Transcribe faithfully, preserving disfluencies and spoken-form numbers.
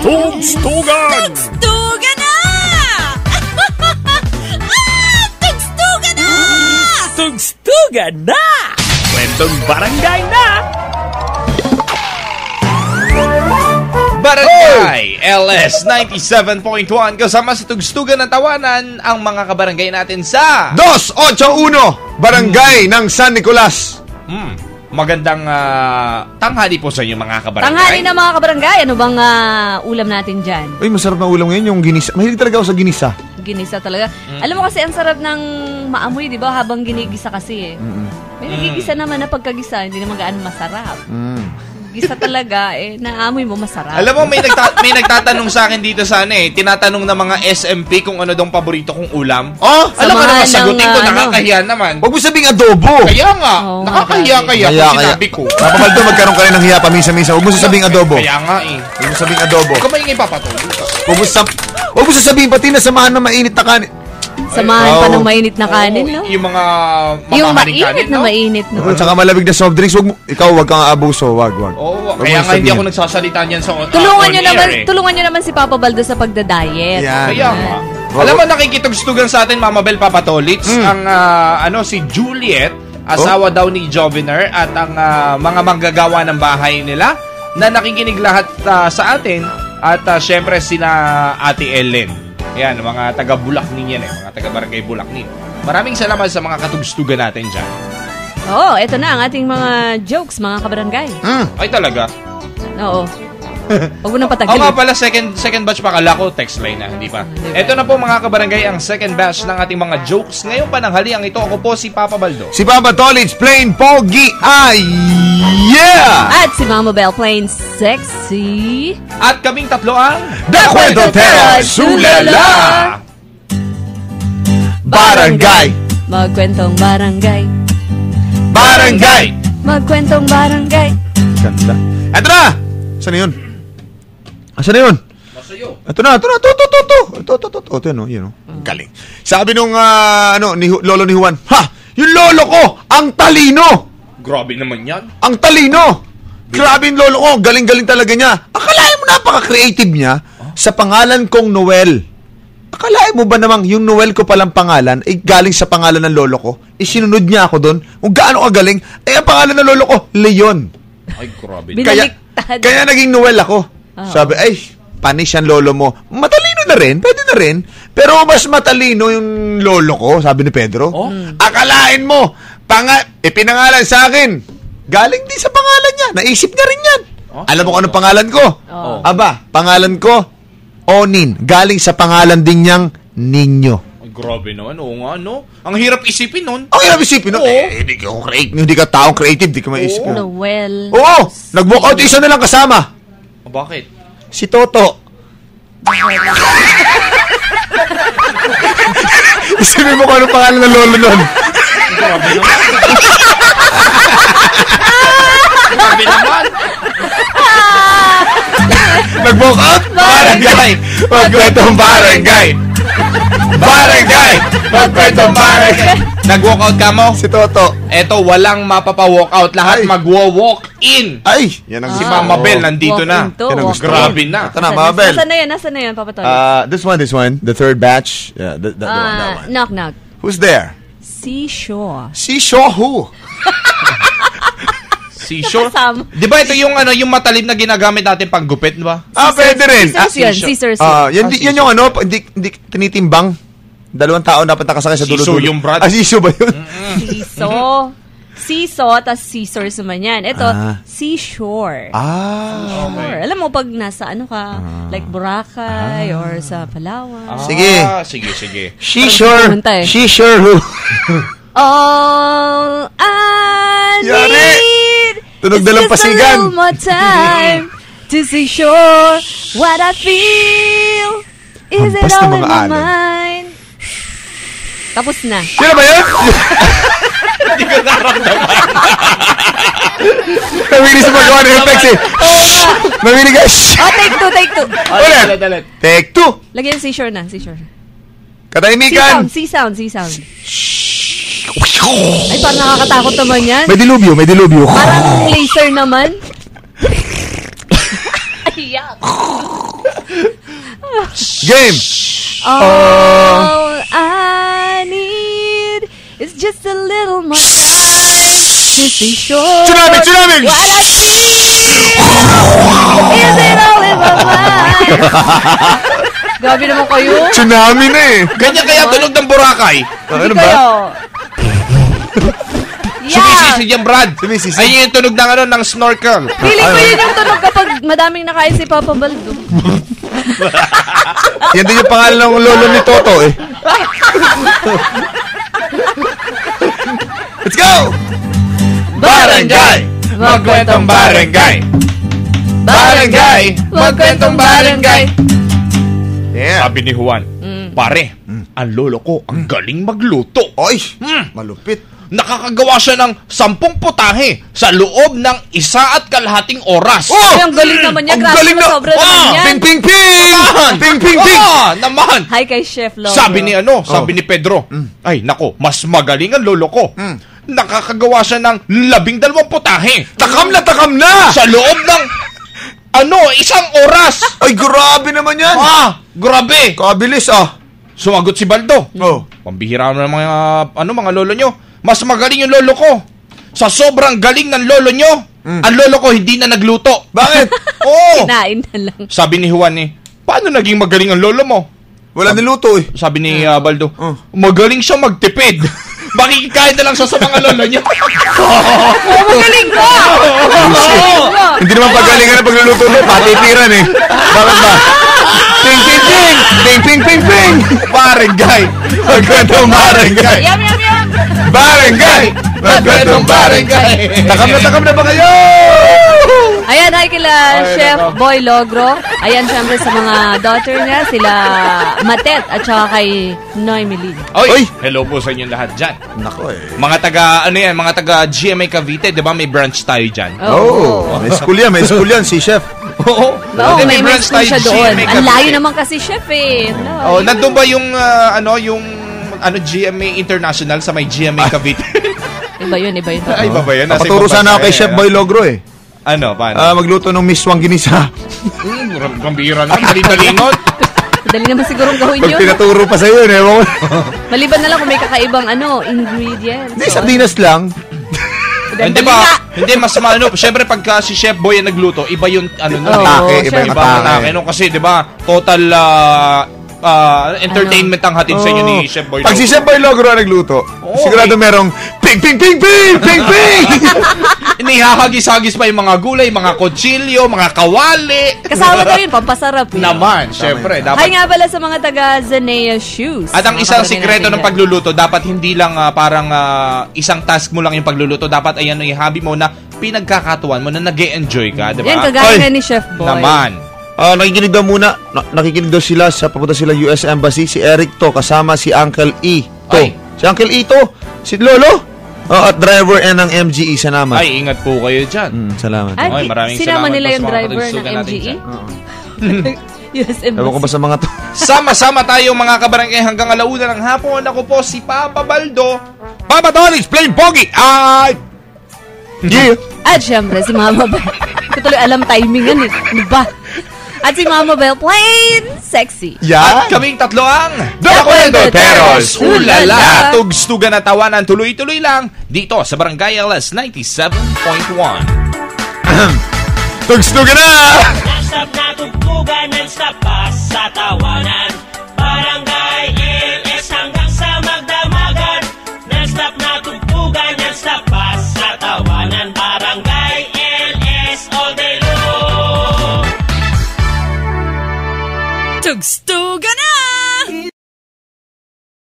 Tugstugan! Tugstugan na! ah, tugstugan na! Tugstugan na! Kwentong barangay na! Barangay L S ninety-seven point one kasama sa Tugstugan ng Tawanan ang mga kabarangay natin sa two eight one Barangay hmm. ng San Nicolas. Hmm. Magandang uh, tanghali po sa inyo mga kabarangay. Tanghali na mga kabarangay. Ano bang uh, ulam natin dyan? Uy, masarap na ulam ngayon yung ginisa. Mahilig talaga ako sa ginisa. Ginisa talaga. Mm. Alam mo kasi ang sarap ng maamoy, di ba? Habang ginigisa kasi eh. Mm-mm. May nagigisa mm. naman na pagkagisa, hindi naman gaano masarap. Mm. Gisa talaga eh, naamoy mo masarap. Alam mo, may, nagta- may nagtatanong sa akin dito sana eh. Tinatanong ng mga S M P kung ano dong paborito kong ulam. Oh, alam mo naman, sagutin ko, uh, nakakahiya ano? naman. Huwag mo sabing adobo. Kaya nga, oh, nakakahiya kaya, kaya kung sinabi ko. Papabaldo, magkaroon ka rin ng hiya pamisa-misa. Huwag mo sabing adobo. Kaya nga eh. Huwag mo sabing adobo. Huwag ka maingay papatuloy. Huwag mo sab- Huwag mo sasabihin pati na samahan ng mainit na kanin. Samahan oh. pa ng mainit na kanin, no? Yung mga yung mainit kanin, na no? mainit, no? At saka malamig na soft drinks, wag mo, ikaw wag kang abuso, wag, wag. Oo, oh, kaya nga hindi ako nagsasalita niyan sa uh, tulungan niyo naman, eh. tulungan niyo naman si Papa Baldo sa pagda-diet. Yan. Kaya nga. Alam mo, nakikitugstugan sa atin, Mama Bel Papatolits, mm. ang uh, ano si Juliet, asawa oh? daw ni Joviner, at ang uh, mga manggagawa ng bahay nila na nakikinig lahat uh, sa atin, at uh, syempre sina Ate Ellen. Yan, mga taga-Bulacnin yan eh. Mga taga-Barangay Bulacnin. Maraming salamat sa mga katugstugan natin dyan. Oo, oh, eto na ang ating mga jokes, mga kabarangay. Mm. Ay, talaga? Oo. Huwag mo nang patagilin. Oo nga pala, second, second batch pa. Kala ko, text line na. Hindi pa. Diba? Eto na po mga kabarangay, ang second batch ng ating mga jokes. Ngayon pa ng haliang ito, ako po si Papa Baldo. Si Papa Tolits, plain pogi. Ay, yeah! At si Mama Bel, plain sexy. At kaming tatlo ang The Kwentotero Sulala! Barangay! Magkwentong barangay. Barangay! Magkwentong barangay. Ganda. Eto na! Saan na yun? Asan na yun? Masayo. Ito na, ito na, ito, ito, ito, ito, ito, ito, ito, ito, ito, yun, galing. Sabi nung, uh, ano, ni, lolo ni Juan, ha, yung lolo ko, ang talino! Grabe naman yan. Ang talino! Grabe yung lolo ko, galing-galing talaga niya. Akalain mo napaka-creative niya huh? sa pangalan kong Noel. Akalain mo ba namang yung Noel ko palang pangalan, ay galing sa pangalan ng lolo ko? Isinunod niya ako doon, kung gaano kagaling, ay ang pangalan ng lolo ko, Leon. Ay, grabe. Kaya, kaya naging Noel ako. Oh. Sabi, ay, panis yan lolo mo. Matalino na rin, pwede na rin. Pero mas matalino yung lolo ko, sabi ni Pedro. Oh? Akalain mo, panga- ipinangalan sa akin. Galing din sa pangalan niya. Naisip niya rin yan. Oh? Alam mo kung anong pangalan ko? Oh. Aba, pangalan ko, Onin. Galing sa pangalan din niyang Ninyo. Ay, grabe naman. Oo nga, no? Ang hirap isipin nun. Ang hirap isipin nun? Eh, hindi ka creative. Hindi ka taong creative. Hindi ka maisip. Oh. Noel. Oo! Nag-walk out isa na lang kasama. O, bakit? Si Toto. Isipin mo kung anong pangalan ng lolo nun. Grabe naman. Grabe naman. Nag-walk out? Barangay! Magkwentong barangay! Barangay! Magkwentong barangay! Nag-walk out ka mo? Si Toto. Eto, walang mapapa-walk out. Lahat magwo-walk in. Ay! Yan ang si Mama Bel nandito na. Yan ang gusto. Grabe na. Ito na, Mama Bel. Nasaan na yan? Nasaan na yan, Papa Tony? Uh, this one, this one. The third batch. Yeah, the, the, the uh, one, that one. Knock, knock. Who's there? Seashore. Seashore who? Seashore? Di ba ito yung ano yung matalim na ginagamit natin pag gupit, di ba? Ah, pwede rin. Scissors yun. Scissors yun. Ah, yan, yan yung ano, hindi, hindi tinitimbang. Dalawang tao dapat nakasakay sa dulo-dulo. Siso yung brad. Ah, siso ba yun? Siso. Siso, tas scissors naman yan. Ito, ah. seashore. Ah. Seashore. Alam mo, pag nasa ano ka, ah. like Boracay ah. or sa Palawan. Ah. Sige. Sige, sige. Seashore. Seashore who? All I need Tunog na lang pasigan. is just a little more time to see sure what I feel. Is it all in my mind? Tapos na. Sino ba yun? Hindi ko naramdaman. Namili sa paggawa ng effects eh. Oo nga. Namili guys. Oh, take two, take two. Ulit, ulit. Take two. Lagyan seashore na, seashore. Katahimikan. Sea sound, sea sound, sea sound. Ay, parang nakakatakot naman yan. May dilubyo, may dilubyo. Parang laser naman. Ay, yuck. Game! All I need is just a little more time to be sure Tsunami! Tsunami! what I feel. Is it all in my mind? Gabi naman kayo. Tsunami na eh. Ganyan kaya tunog ng Boracay. Ano Hindi ba? kayo. Yeah. Sumisisi dyan, Brad. Sumisisi. Ay, yung tunog ng, ano, ng snorkel. Feeling ko yun yung tunog kapag madaming nakain si Papa Baldo. Yan din yung pangalan ng lolo ni Toto eh. Let's go! Barangay! Magkwentong barangay! Barangay! Magkwentong barangay! Yeah. Sabi ni Juan, pare, ang lolo ko, ang galing magluto. Oy! Mm. Malupit. Nakakagawa siya ng sampung putahe sa loob ng isa at kalahating oras. Oh! Ay, ang galing naman niya. Ang Grabe galing na na- sobra Ah! naman yan. Ping, ping, ping! Naman! Ping, ping, ping! Ah, naman! Hi kay Chef Lolo. Sabi ni ano, sabi ni Pedro, ay nako, mas magaling ang lolo ko. Nakakagawa siya ng labing dalawang putahe Takam na, takam na! sa loob ng ano, isang oras. Ay, grabe naman yan! Ah, grabe. Kabilis ah! Sumagot si Baldo. Oh. Pambihira na ng mga ano mga lolo nyo. Mas magaling yung lolo ko. Sa sobrang galing ng lolo nyo, ang lolo ko hindi na nagluto. Bakit? Oo. Kinain na lang. Sabi ni Juan eh, paano naging magaling ang lolo mo? Wala niluto eh. Sabi ni uh, Baldo, Oh. magaling siya magtipid. Makikikain na lang siya sa mga lolo niya. Oh, magaling ka! Hindi naman pagalingan na pagluluto mo, patitiran eh. Bakit ba? Ping, ping, ping! Ping, ping, ping, ping! Barangay. Magkwentong barangay! Yum, yum, yum! Barangay! Magkwentong barangay! Takam na, takam na ba kayo? Ayan, hi kila Chef Boy Logro. Ayan, syempre sa mga daughter niya, sila Matet at saka kay Noy Melin. Oy, Oy. hello po sa inyong lahat dyan. Nako eh. Mga taga, ano yan, mga taga G M A Cavite, di ba may branch tayo dyan? Oh, may school yan, may school yan, si Chef. Oo. Oo, Hindi, may branch mention siya tayo, doon. G M A Ang layo Cavite. naman kasi Chef eh. No. Oh, nandun ba yung, ah, ano, yung, ano, G M A International sa may G M A Cavite? Iba yun, iba yun. Ay, iba ba yan? Nasa Napaturo ibang sana ako bansa kay yan, Chef ano? Boy Logro eh. Ano, paano? Ah, magluto ng miswang ginisa. Hmm, gambira na, dali-dalingon. Dali naman sigurong gawin Pag yun. pinaturo pa sa'yo, eh, ewan ko. Maliban na lang kung may kakaibang ano, ingredients. Hindi, sardinas lang. Hindi ba? Hindi, mas maano. Siyempre, pagka si Chef Boy ang nagluto, iba yung, ano, nun, Oo, eh. Atake, iba yung Iba ang atake. atake. No? Kasi, di ba, total ah, ah, entertainment ang hatid sa inyo ni Oo. Chef Boy. Pag si Logro. Chef Boy Logro ang nagluto, Oo, sigurado okay. merong ping, ping, ping, ping, ping, ping! Inihahagis-hagis pa yung mga gulay, mga kutsilyo, mga kawali. Kasama daw yun, pampasarap eh. Naman, syempre. Hi Dapat. nga pala sa mga taga Zanea Shoes. At ang Mga isang kapatid sikreto natin ng dyan. pagluluto, dapat hindi lang ah, parang ah, isang task mo lang yung pagluluto. Dapat ayan yung hobby mo na pinagkakatuan mo na nag-e-enjoy ka, di ba? Yan, kagaya Oy. nga ni Chef Boy. Naman. Ah, nakikinig daw muna. Na- nakikinig daw sila sa papunta sila U S Embassy. Si Eric to, kasama si Uncle E. To. Ay. Si Uncle E to. Si Lolo. Oh, at driver N ng M G E sa naman. Ay, ingat po kayo dyan. Mm, salamat. Ay, Oy, maraming sinama salamat nila po sa yung mga driver ng katulsugan natin M G E? dyan. U S M. Ewan ko ba sa mga to? Sama-sama tayo mga kabarangay hanggang alauna ng hapon. Ako po si Papa Baldo. Papa Tony, plain pogi. Ay! Yeah. At syempre, si Mama Bell. Ko tuloy alam timingan eh. Ano ba? At si Mama Bell, plain sexy. At Yan. kaming tatlo ang The Kwentoteros. Ulala! Tugstugan na tawanan, tuloy-tuloy lang dito sa Barangay L S ninety-seven point one. Tugstugan na! Non-stop na tugtugan, non-stop pa sa tawanan. Barangay L S hanggang sa magdamagan. Non-stop na tugtugan, non-stop pa sa tawanan. Barangay L S all day long. Tugstugan